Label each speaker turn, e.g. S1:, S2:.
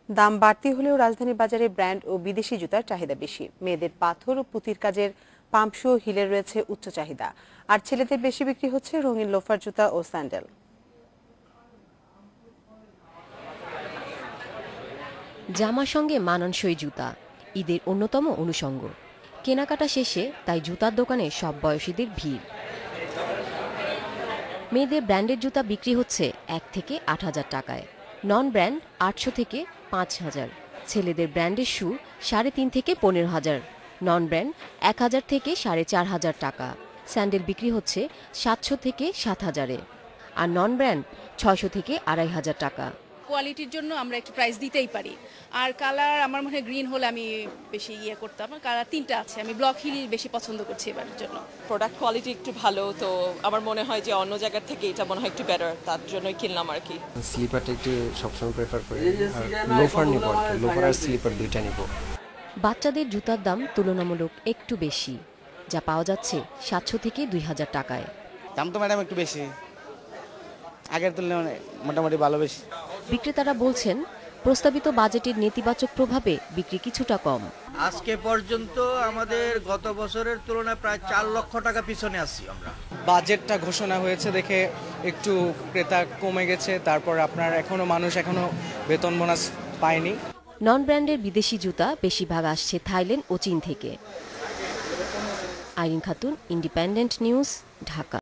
S1: দাম বাড়তি হলেও রাজধানী বাজারে ব্র্যান্ড ও বিদেশি জুতার চাহিদা বেশি। মেয়েদের পাথর ও পুঁতির কাজের পাম্প শু ও হিলের রয়েছে উচ্চ চাহিদা, আর ছেলেদের বেশি বিক্রি হচ্ছে রঙিন লোফার জুতা ও স্যান্ডেল।
S2: জামার সঙ্গে মানানসই জুতা ঈদের অন্যতম অনুষঙ্গ। কেনাকাটা শেষে তাই জুতার দোকানে সব বয়সীদের ভিড়। মেয়েদের ব্র্যান্ডের জুতা বিক্রি হচ্ছে 1 থেকে 8,000 টাকায়, নন ব্র্যান্ড 800 থেকে 5,000। ছেলেদের ব্র্যান্ডের শু 3.5 থেকে 15,000, নন ব্র্যান্ড 1,000 থেকে 4,500 টাকা। স্যান্ডেল বিক্রি হচ্ছে 700 থেকে 7,000-এ, আর নন ব্র্যান্ড 600 থেকে 2,500 টাকা।
S3: কোয়ালিটির জন্য আমরা একটু প্রাইস দিতেই পারি। আর কালার আমার মনে হয় গ্রিন হলে আমি বেশি করতাম। কালার 3টা আছে, আমি ব্লক হিল বেশি পছন্দ করছি এবারের জন্য।
S4: প্রোডাক্ট কোয়ালিটি একটু ভালো, তো আমার মনে হয় যে অন্য জায়গার থেকে এটা মনে হয় একটু বেটার, তার জন্যই কিনলাম আর কি।
S5: স্লিপারটা একটু সবসময় প্রেফার করি, লোফার নিব, লোফার আর স্লিপার দুইটা নিব।
S2: বাচ্চাদের জুতার দাম তুলনামূলক একটু বেশি, যা পাওয়া যাচ্ছে 700 থেকে 2,000 টাকায়।
S6: দাম তো ম্যাডাম একটু বেশি, আগের তুলনায় মোটামুটি ভালো বেশি।
S2: বিক্রেতারা বলছেন প্রস্তাবিত বাজেটের নেতিবাচক প্রভাবে বিক্রি কিছুটা কম।
S7: আজকে পর্যন্ত আমাদের গত বছরের তুলনায় প্রায় 4 লক্ষ টাকা পিছনে আছি আমরা।
S6: বাজেটটা ঘোষণা হয়েছে দেখে একটু ক্রেতা কমে গেছে, তারপর আপনার মানুষ এখনো বেতন বোনাস পায়নি।
S2: নন ব্র্যান্ডের বিদেশি জুতা বেশিরভাগ আসছে থাইল্যান্ড ও চীন থেকে। Irin Khatun, independent news, Dhaka.